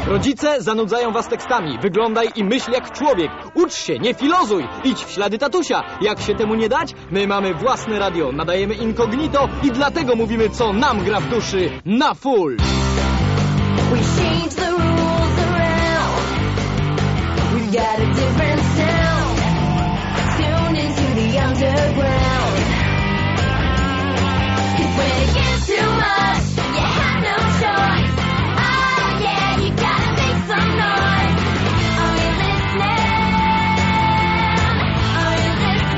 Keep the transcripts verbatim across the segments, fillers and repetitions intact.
Rodzice zanudzają was tekstami. Wyglądaj i myśl jak człowiek. Ucz się, nie filozuj. Idź w ślady tatusia. Jak się temu nie dać? My mamy własne radio, nadajemy incognito i dlatego mówimy, co nam gra w duszy na full. We change the rules around. We've got a different sound. Tune into the underground. 'Cause when it gets too much, you have no choice. Oh yeah, you gotta make some noise. Are you listening? Are you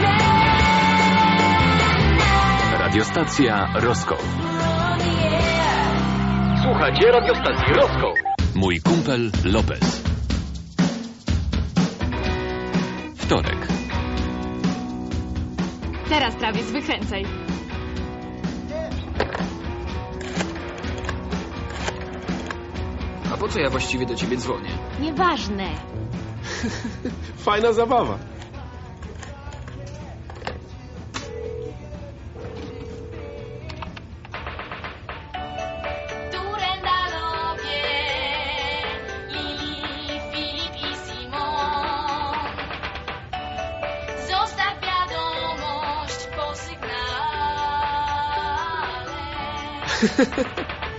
listening? Radiostacja Roscoe. We're on the air. Słuchajcie radiostacji Roscoe. Mój kumpel Lopez. Wtorek. Teraz prawie wykręcaj. A po co ja właściwie do ciebie dzwonię? Nieważne. Fajna zabawa. Turendalowie, Lili, Filip i Simon. Zostaw wiadomość po sygnale.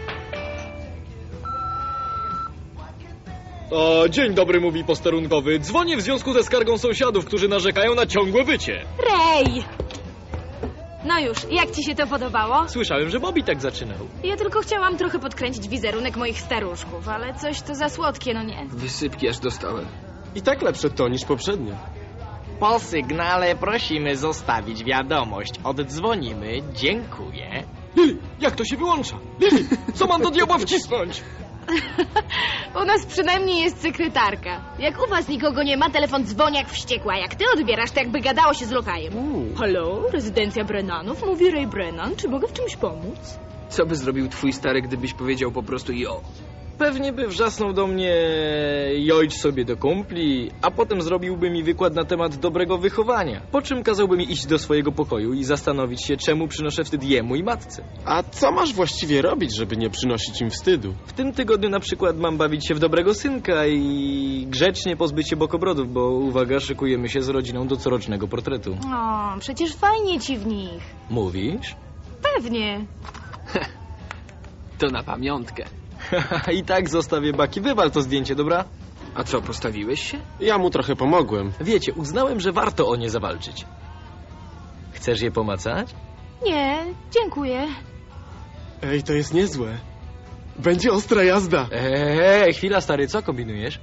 O, dzień dobry, mówi posterunkowy. Dzwonię w związku ze skargą sąsiadów, którzy narzekają na ciągłe wycie. Rej! No już, jak ci się to podobało? Słyszałem, że Bobby tak zaczynał. Ja tylko chciałam trochę podkręcić wizerunek moich staruszków, ale coś to za słodkie, no nie? Wysypki aż dostałem. I tak lepsze to niż poprzednio. Po sygnale prosimy zostawić wiadomość. Oddzwonimy. Dziękuję. Lili, jak to się wyłącza? Lili, co mam do diabła wcisnąć? U nas przynajmniej jest sekretarka. Jak u was nikogo nie ma, telefon dzwoni jak wściekła. Jak ty odbierasz, to jakby gadało się z lokajem. Halo, rezydencja Brennanów? Mówi Ray Brennan. Czy mogę w czymś pomóc? Co by zrobił twój stary, gdybyś powiedział po prostu jo? Pewnie by wrzasnął do mnie jojdź sobie do kumpli, a potem zrobiłby mi wykład na temat dobrego wychowania. Po czym kazałby mi iść do swojego pokoju i zastanowić się, czemu przynoszę wstyd jemu i matce. A co masz właściwie robić, żeby nie przynosić im wstydu? W tym tygodniu na przykład mam bawić się w dobrego synka i grzecznie pozbyć się bokobrodów, bo uwaga, szykujemy się z rodziną do corocznego portretu. O, przecież fajnie ci w nich. Mówisz? Pewnie. To na pamiątkę. I tak zostawię Baki. Wywal to zdjęcie, dobra? A co, postawiłeś się? Ja mu trochę pomogłem. Wiecie, uznałem, że warto o nie zawalczyć. Chcesz je pomacać? Nie, dziękuję. Ej, to jest niezłe. Będzie ostra jazda. Eee, chwila stary, co kombinujesz?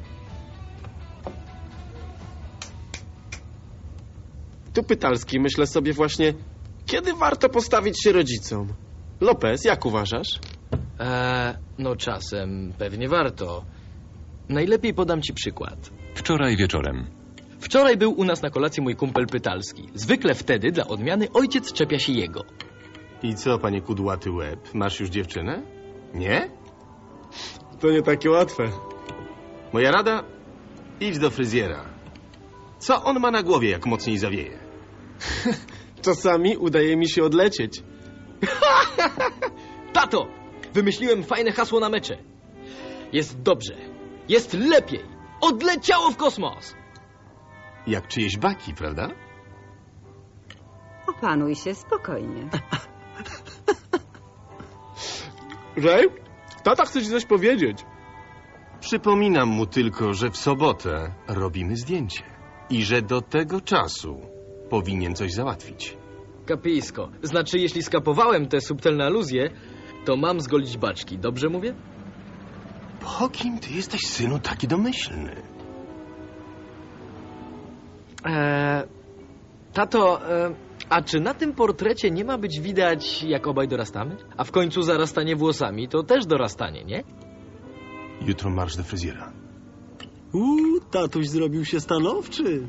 Tu Pytalski, myślę sobie właśnie, kiedy warto postawić się rodzicom? Lopez, jak uważasz? Eee, no czasem pewnie warto. Najlepiej podam ci przykład. Wczoraj wieczorem. Wczoraj był u nas na kolacji mój kumpel Pytalski. Zwykle wtedy, dla odmiany, ojciec czepia się jego. I co, panie kudłaty łeb? Masz już dziewczynę? Nie? To nie takie łatwe. Moja rada? Idź do fryzjera. Co on ma na głowie, jak mocniej zawieje? Czasami udaje mi się odlecieć. Tato! Wymyśliłem fajne hasło na mecze. Jest dobrze. Jest lepiej. Odleciało w kosmos. Jak czyjeś baki, prawda? Opanuj się spokojnie. Ray? Tata chce ci coś powiedzieć. Przypominam mu tylko, że w sobotę robimy zdjęcie. I że do tego czasu powinien coś załatwić. Kapisko. Znaczy, jeśli skapowałem te subtelne aluzje, to mam zgolić baczki. Dobrze mówię? Po kim ty jesteś, synu, taki domyślny? Eee, tato, e, a czy na tym portrecie nie ma być widać, jak obaj dorastamy? A w końcu zarastanie włosami to też dorastanie, nie? Jutro marsz do fryzjera. Uuu, tatuś zrobił się stanowczy.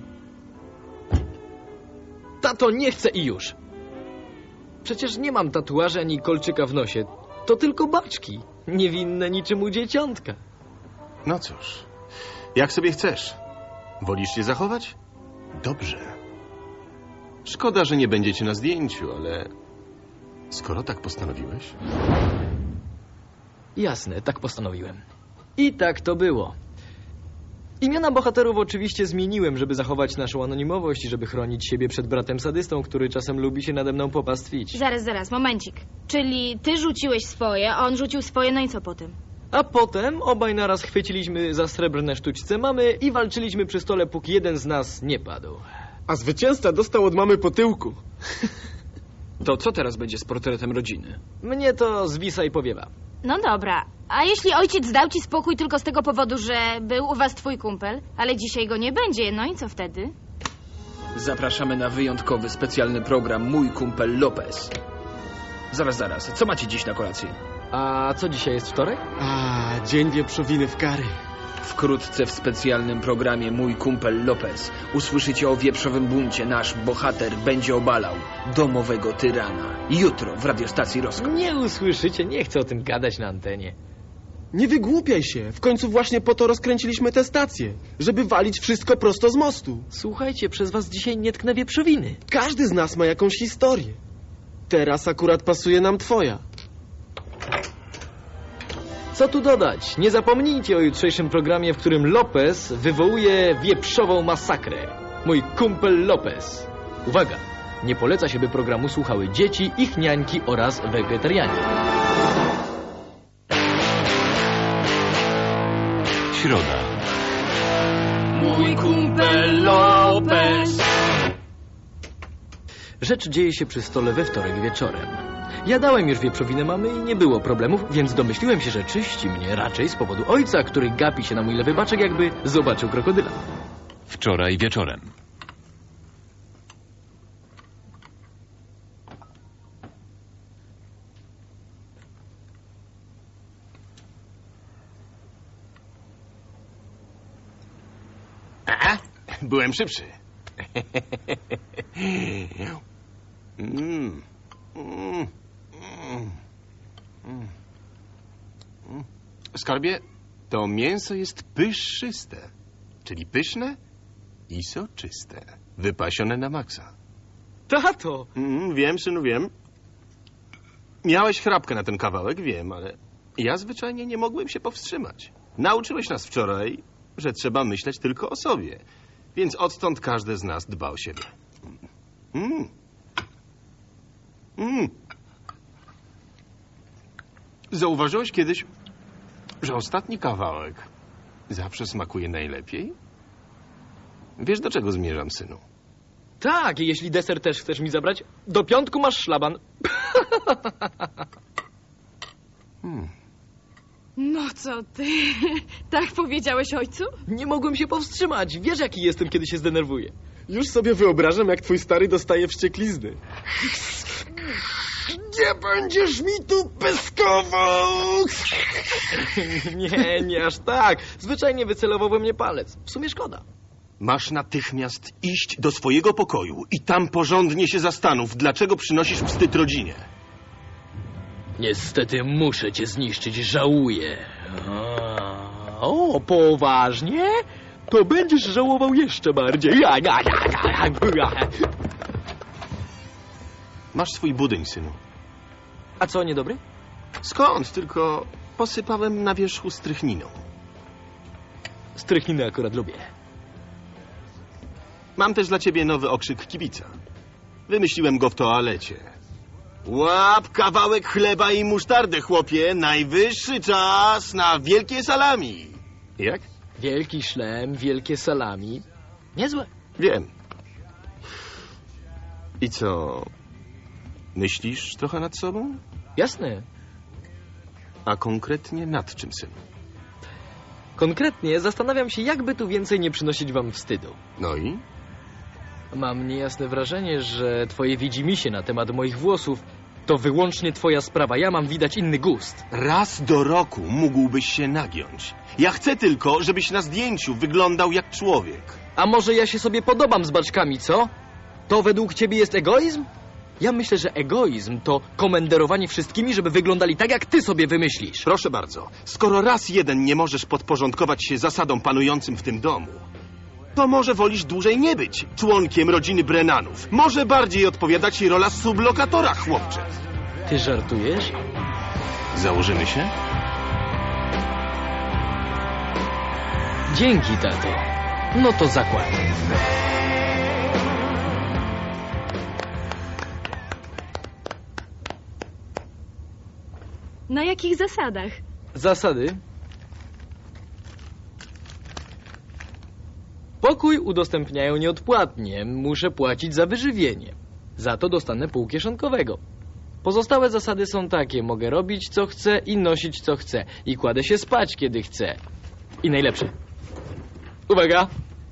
Tato, nie chcę i już. Przecież nie mam tatuaży ani kolczyka w nosie. To tylko baczki. Niewinne niczym u dzieciątka. No cóż, jak sobie chcesz. Wolisz się zachować? Dobrze. Szkoda, że nie będziecie na zdjęciu, ale skoro tak postanowiłeś... Jasne, tak postanowiłem. I tak to było. Imiona bohaterów oczywiście zmieniłem, żeby zachować naszą anonimowość i żeby chronić siebie przed bratem sadystą, który czasem lubi się nade mną popastwić. Zaraz, zaraz, momencik. Czyli ty rzuciłeś swoje, a on rzucił swoje, no i co potem? A potem obaj naraz chwyciliśmy za srebrne sztućce mamy i walczyliśmy przy stole, póki jeden z nas nie padł. A zwycięzca dostał od mamy po tyłku. To co teraz będzie z portretem rodziny? Mnie to zwisa i powiewa. No dobra, a jeśli ojciec dał ci spokój tylko z tego powodu, że był u was twój kumpel, ale dzisiaj go nie będzie, no i co wtedy? Zapraszamy na wyjątkowy, specjalny program Mój Kumpel Lopez. Zaraz, zaraz, co macie dziś na kolację? A co dzisiaj jest wtorek? A, dzień wieprzowiny w kary. Wkrótce w specjalnym programie Mój Kumpel Lopez usłyszycie o wieprzowym buncie. Nasz bohater będzie obalał domowego tyrana. Jutro w radiostacji Roskop. Nie usłyszycie, nie chcę o tym gadać na antenie. Nie wygłupiaj się. W końcu właśnie po to rozkręciliśmy tę stację. Żeby walić wszystko prosto z mostu. Słuchajcie, przez was dzisiaj nie tknę wieprzowiny. Każdy z nas ma jakąś historię. Teraz akurat pasuje nam twoja. Co tu dodać? Nie zapomnijcie o jutrzejszym programie, w którym Lopez wywołuje wieprzową masakrę. Mój kumpel Lopez. Uwaga! Nie poleca się, by programu słuchały dzieci, ich niańki oraz wegetarianie. Środa. Mój Kumpel Lopez. Rzecz dzieje się przy stole we wtorek wieczorem. Jadałem już wieprzowinę mamy i nie było problemów, więc domyśliłem się, że czyści mnie raczej z powodu ojca, który gapi się na mój lewy baczek, jakby zobaczył krokodyla. Wczoraj wieczorem. A, byłem szybszy. mm. Mm. Mm. Mm. Skarbie, to mięso jest pyszyste, czyli pyszne i soczyste, wypasione na maksa. Tato! Mm, wiem, synu, wiem. Miałeś chrapkę na ten kawałek, wiem, ale ja zwyczajnie nie mogłem się powstrzymać. Nauczyłeś nas wczoraj, że trzeba myśleć tylko o sobie, więc odtąd każdy z nas dba o siebie. Mm. Mm. Zauważyłeś kiedyś, że ostatni kawałek zawsze smakuje najlepiej? Wiesz, do czego zmierzam, synu? Tak, i jeśli deser też chcesz mi zabrać, do piątku masz szlaban. Hmm. No co ty? Tak powiedziałeś ojcu? Nie mogłem się powstrzymać. Wiesz, jaki jestem, kiedy się zdenerwuję. Już sobie wyobrażam, jak twój stary dostaje wścieklizny. Gdzie będziesz mi tu pyskował? Nie, nie aż tak. Zwyczajnie wycelował we mnie palec. W sumie szkoda. Masz natychmiast iść do swojego pokoju i tam porządnie się zastanów, dlaczego przynosisz wstyd rodzinie. Niestety muszę cię zniszczyć, żałuję. O, poważnie? To będziesz żałował jeszcze bardziej. Masz swój budyń, synu. A co, niedobry? Skąd? Tylko posypałem na wierzchu strychniną. Strychniny akurat lubię. Mam też dla ciebie nowy okrzyk kibica. Wymyśliłem go w toalecie. Łap kawałek chleba i musztardę, chłopie. Najwyższy czas na wielkie salami. Jak? Wielki szlem, wielkie salami. Niezłe. Wiem. I co? Myślisz trochę nad sobą? Jasne. A konkretnie nad czym, synu? Konkretnie zastanawiam się, jakby tu więcej nie przynosić wam wstydu. No i? Mam niejasne wrażenie, że twoje widzimisię na temat moich włosów to wyłącznie twoja sprawa. Ja mam widać inny gust. Raz do roku mógłbyś się nagiąć. Ja chcę tylko, żebyś na zdjęciu wyglądał jak człowiek. A może ja się sobie podobam z baczkami, co? To według ciebie jest egoizm? Ja myślę, że egoizm to komenderowanie wszystkimi, żeby wyglądali tak, jak ty sobie wymyślisz. Proszę bardzo, skoro raz jeden nie możesz podporządkować się zasadom panującym w tym domu, to może wolisz dłużej nie być członkiem rodziny Brennanów. Może bardziej odpowiada ci rola sublokatora, chłopcze. Ty żartujesz? Założymy się? Dzięki, tato. No to zakład. Na jakich zasadach? Zasady. Pokój udostępniają nieodpłatnie. Muszę płacić za wyżywienie. Za to dostanę pół kieszonkowego. Pozostałe zasady są takie. Mogę robić co chcę i nosić co chcę. I kładę się spać kiedy chcę. I najlepsze. Uwaga!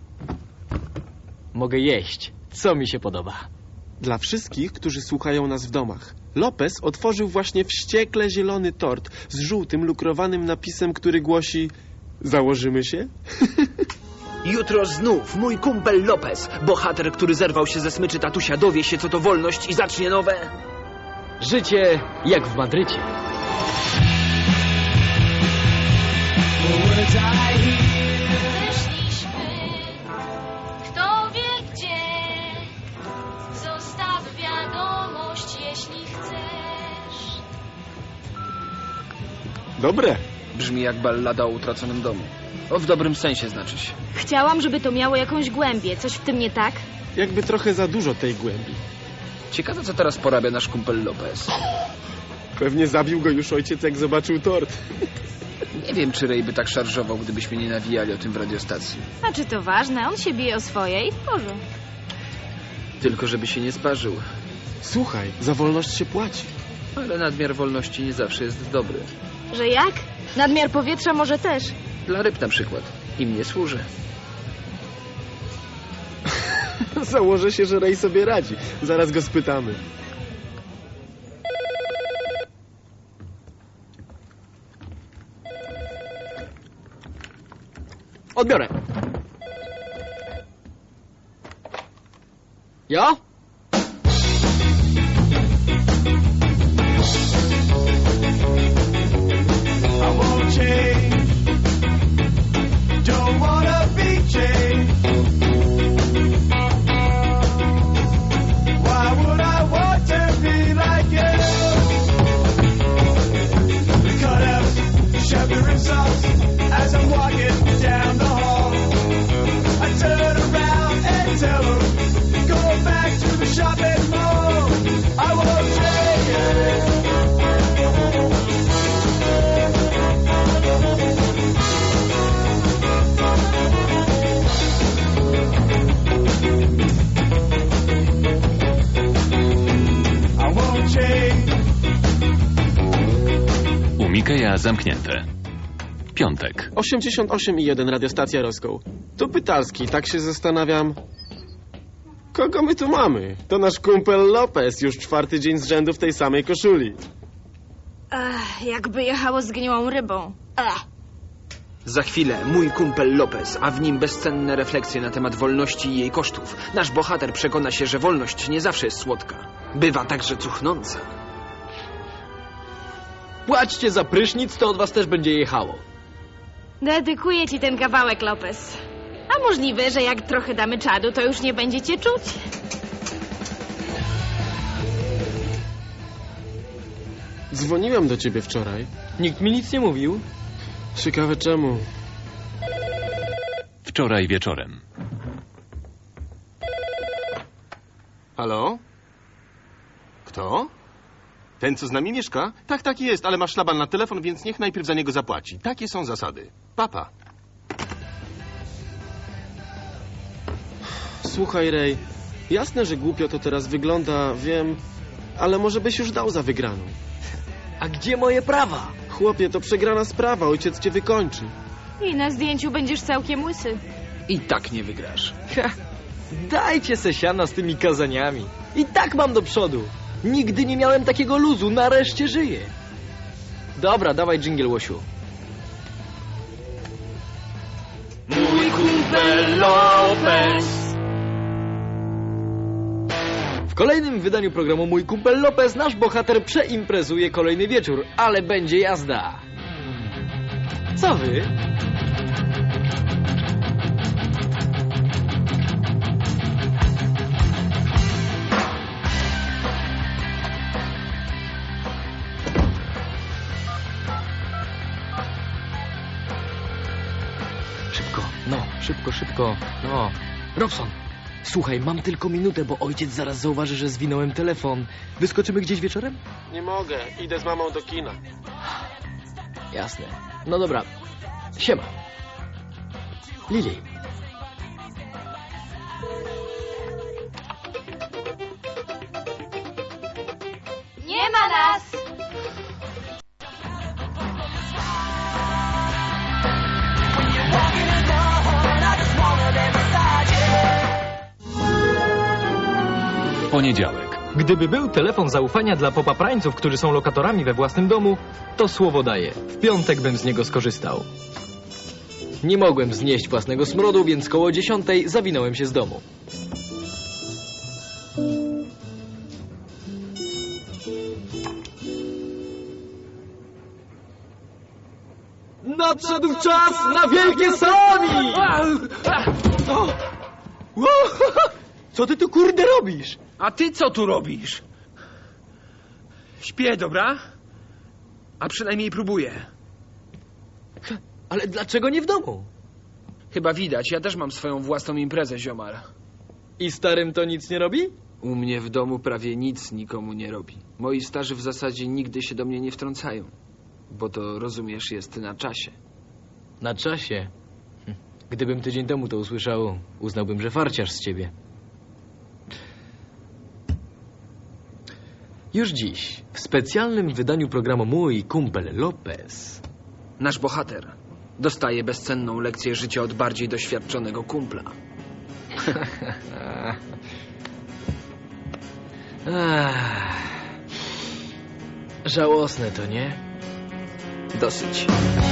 Mogę jeść, co mi się podoba. Dla wszystkich, którzy słuchają nas w domach. Lopez otworzył właśnie wściekle zielony tort z żółtym lukrowanym napisem, który głosi: założymy się? Jutro znów mój kumpel Lopez, bohater, który zerwał się ze smyczy tatusia, dowie się, co to wolność i zacznie nowe... Życie jak w Madrycie. Wyszliśmy, kto wie gdzie. Zostaw wiadomość, jeśli chcesz. Dobre. Brzmi jak ballada o utraconym domu. O, w dobrym sensie znaczy się. Chciałam, żeby to miało jakąś głębię. Coś w tym nie tak? Jakby trochę za dużo tej głębi. Ciekawe, co teraz porabia nasz kumpel Lopez. Pewnie zabił go już ojciec, jak zobaczył tort. Nie wiem, czy Ray by tak szarżował, gdybyśmy nie nawijali o tym w radiostacji. A czy to ważne? On się bije o swoje i w porządku. Tylko żeby się nie sparzył. Słuchaj, za wolność się płaci. Ale nadmiar wolności nie zawsze jest dobry. Że jak? Nadmiar powietrza może też. Dla ryb na przykład. Im nie służy. Założę się, że Ray sobie radzi. Zaraz go spytamy. Odbiorę. Ja? I won't change. Don't wanna be changed. Why would I want to be like you? Cut out shivering socks as I'm walking down the hall. I turn around and tell them, go back to the shopping mall. I won't change. U Mikeja zamknięte. Piątek. osiemdziesiąt osiem i jeden radiostacja Roską. Tu Pytalski, tak się zastanawiam. Kogo my tu mamy? To nasz kumpel Lopez, już czwarty dzień z rzędu w tej samej koszuli. Ach, jakby jechało zgniłą rybą. Ech. Za chwilę mój kumpel Lopez, a w nim bezcenne refleksje na temat wolności i jej kosztów. Nasz bohater przekona się, że wolność nie zawsze jest słodka. Bywa także cuchnąca. Płaćcie za prysznic, to od was też będzie jechało. Dedykuję ci ten kawałek, Lopez. A możliwe, że jak trochę damy czadu, to już nie będziecie czuć. Dzwoniłem do ciebie wczoraj. Nikt mi nic nie mówił. Ciekawe czemu. Wczoraj wieczorem. Halo? Kto? Ten, co z nami mieszka? Tak, tak jest, ale ma szlaban na telefon, więc niech najpierw za niego zapłaci. Takie są zasady. Papa. Słuchaj, Ray, jasne, że głupio to teraz wygląda, wiem, ale może byś już dał za wygraną. A gdzie moje prawa? Chłopie, to przegrana sprawa, ojciec cię wykończy. I na zdjęciu będziesz całkiem łysy. I tak nie wygrasz. Ha, dajcie se siana z tymi kazaniami. I tak mam do przodu. Nigdy nie miałem takiego luzu, nareszcie żyję. Dobra, dawaj dżingiel, Łosiu. Mój kumpel Lopez. W kolejnym wydaniu programu Mój kumpel Lopez nasz bohater przeimprezuje kolejny wieczór, ale będzie jazda. Co wy? Szybko. No, szybko, szybko. No. Robson, słuchaj, mam tylko minutę, bo ojciec zaraz zauważy, że zwinąłem telefon. Wyskoczymy gdzieś wieczorem? Nie mogę, idę z mamą do kina. Jasne. No dobra. Siema. Lili. Nie ma nas! Poniedziałek. Gdyby był telefon zaufania dla popaprańców, którzy są lokatorami we własnym domu, to słowo daję. W piątek bym z niego skorzystał. Nie mogłem znieść własnego smrodu, więc koło dziesiątej zawinąłem się z domu. Nadszedł czas na wielkie sami! Co ty tu kurde robisz? A ty co tu robisz? Śpię, dobra? A przynajmniej próbuję. Ale dlaczego nie w domu? Chyba widać, ja też mam swoją własną imprezę, ziomal. I starym to nic nie robi? U mnie w domu prawie nic nikomu nie robi. Moi starzy w zasadzie nigdy się do mnie nie wtrącają. Bo to, rozumiesz, jest na czasie. Na czasie? Hm. Gdybym tydzień temu to usłyszał, uznałbym, że farciarz z ciebie. Już dziś, w specjalnym wydaniu programu Mój Kumpel Lopez. Nasz bohater dostaje bezcenną lekcję życia od bardziej doświadczonego kumpla. Ach, żałosne to, nie? Dosyć.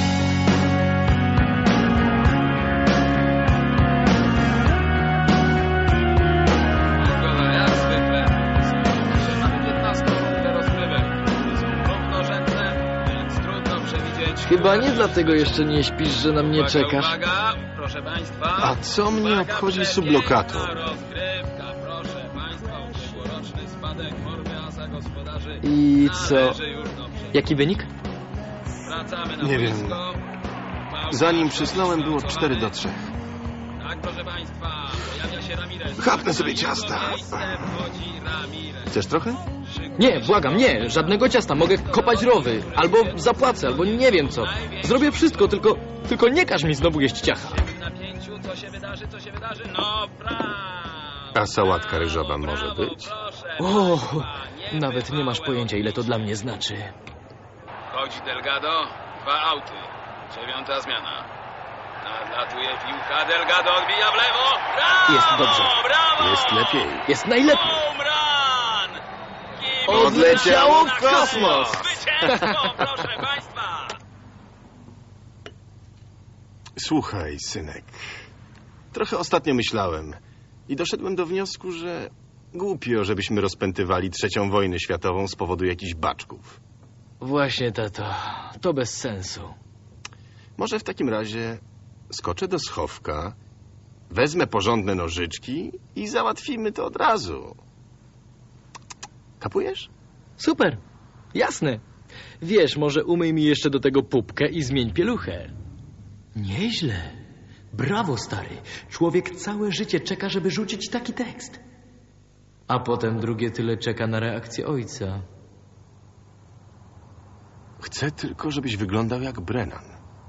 Jak zwykle. Mamy piętnaście rozgrywek. Są równorzędne, więc trudno przewidzieć... Chyba nie dlatego jeszcze nie śpisz, że na mnie czekasz. Uwaga, proszę państwa. A co mnie Uwaga, obchodzi przepiękna sublokator? rozgrywka, proszę państwa. Ubiegłoroczny spadek formy asa gospodarzy I co? należy już do prze- Jaki wynik? Wracamy na Nie wiem. boisko. Zanim przysnąłem, było cztery do trzech. Tak, proszę państwa, pojawia się Ramirez. Chapnę sobie Na jego ciasta. miejsce wchodzi Ramirez. Chcesz trochę? Nie, błagam, nie, żadnego ciasta. Mogę kopać rowy, albo zapłacę, albo nie wiem co. Zrobię wszystko, tylko, tylko nie każ mi znowu jeść ciacha. W napięciu, co się wydarzy, co się wydarzy? No, brawo! A sałatka ryżowa może Brawo, być? proszę O, państwa, nawet nie masz pojęcia, ile to dla mnie znaczy. Chodź Delgado, dwa auty. Dziewiąta zmiana. Nadlatuje piłka, Delgado odbija w lewo. Brawo! Jest dobrze. Brawo! Jest lepiej. Jest najlepiej. Home run! Odleciało w kosmos! Zwycięstwo, proszę państwa! Słuchaj, synek. Trochę ostatnio myślałem i doszedłem do wniosku, że głupio, żebyśmy rozpętywali trzecią wojnę światową z powodu jakichś baczków. Właśnie, tato, to bez sensu. Może w takim razie skoczę do schowka, wezmę porządne nożyczki i załatwimy to od razu. Kapujesz? Super, jasne. Wiesz, może umyj mi jeszcze do tego pupkę i zmień pieluchę. Nieźle. Brawo, stary. Człowiek całe życie czeka, żeby rzucić taki tekst. A potem drugie tyle czeka na reakcję ojca. Chcę tylko, żebyś wyglądał jak Brennan.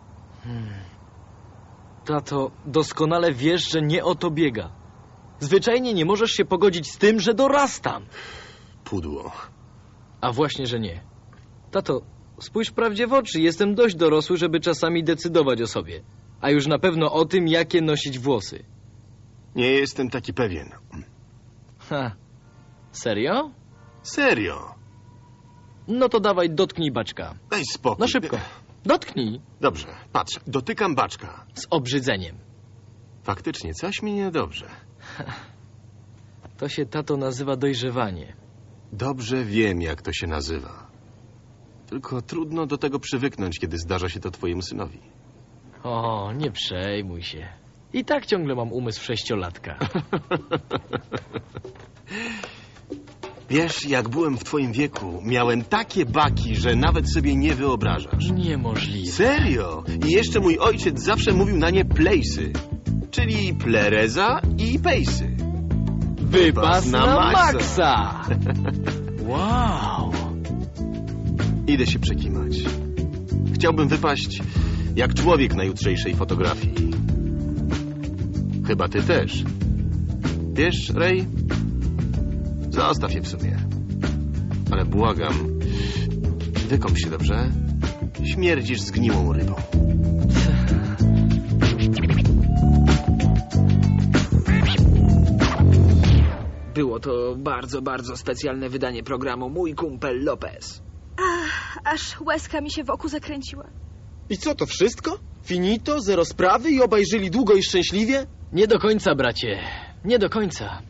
Tato, doskonale wiesz, że nie o to biega. Zwyczajnie nie możesz się pogodzić z tym, że dorastam. Pudło. A właśnie, że nie. Tato, spójrz prawdzie w oczy. Jestem dość dorosły, żeby czasami decydować o sobie. A już na pewno o tym, jakie nosić włosy. Nie jestem taki pewien. Ha. Serio? Serio. No to dawaj, dotknij baczka. Daj spokój. No szybko. Dotknij. Dobrze, patrz. Dotykam baczka. Z obrzydzeniem. Faktycznie, coś mi niedobrze. To się, tato, nazywa dojrzewanie. Dobrze wiem, jak to się nazywa. Tylko trudno do tego przywyknąć, kiedy zdarza się to twojemu synowi. O, nie przejmuj się. I tak ciągle mam umysł sześciolatka. Wiesz, jak byłem w twoim wieku, miałem takie baki, że nawet sobie nie wyobrażasz. Niemożliwe. Serio? I jeszcze mój ojciec zawsze mówił na nie place'y. czyli Plereza i Pejsy. Wypas na na maksa. maksa! Wow! Idę się przekimać. Chciałbym wypaść jak człowiek na jutrzejszej fotografii. Chyba ty też. Wiesz, Ray? Zostaw je w sumie. Ale błagam, wykąp się dobrze. Śmierdzisz zgniłą rybą. Było to bardzo, bardzo specjalne wydanie programu Mój kumpel Lopez. Aż łezka mi się wokół zakręciła. I co, to wszystko? Finito, zero sprawy i obaj żyli długo i szczęśliwie? Nie do końca, bracie. Nie do końca.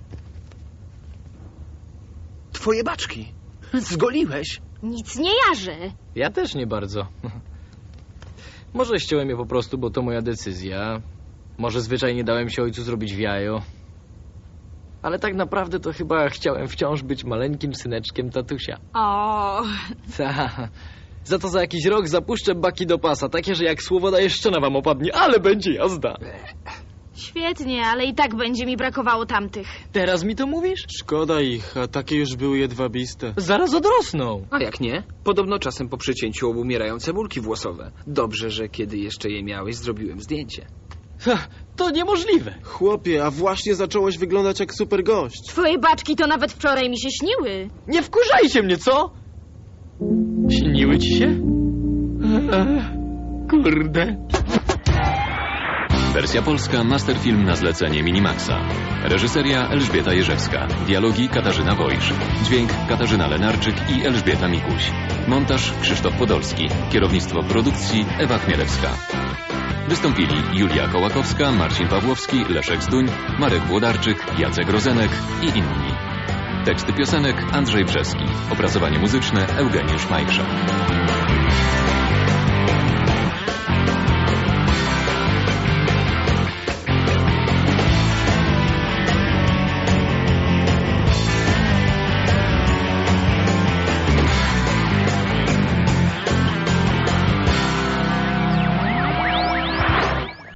Twoje baczki. Zgoliłeś. Nic nie jarzę. Ja też nie bardzo. Może ściąłem je po prostu, bo to moja decyzja. Może zwyczajnie dałem się ojcu zrobić w jajo. Ale tak naprawdę to chyba chciałem wciąż być maleńkim syneczkiem tatusia. O, Ta. Za to za jakiś rok zapuszczę baki do pasa, takie, że jak słowo daję, szczena wam opadnie, ale będzie jazda. świetnie, ale i tak będzie mi brakowało tamtych. Teraz mi to mówisz? Szkoda ich, a takie już były jedwabiste. Zaraz odrosną. A jak nie? Podobno czasem po przycięciu obumierają cebulki włosowe. Dobrze, że kiedy jeszcze je miałeś, zrobiłem zdjęcie. Ha, to niemożliwe. Chłopie, a właśnie zacząłeś wyglądać jak super gość. Twoje baczki to nawet wczoraj mi się śniły. Nie wkurzajcie mnie, co? Śniły ci się? Eee, kurde. Wersja polska, masterfilm na zlecenie Minimaxa. Reżyseria Elżbieta Jerzewska. Dialogi Katarzyna Wojsz. Dźwięk Katarzyna Lenarczyk i Elżbieta Mikuś. Montaż Krzysztof Podolski. Kierownictwo produkcji Ewa Chmielewska. Wystąpili Julia Kołakowska, Marcin Pawłowski, Leszek Zduń, Marek Włodarczyk, Jacek Rozenek i inni. Teksty piosenek Andrzej Brzeski. Opracowanie muzyczne Eugeniusz Majkrzak.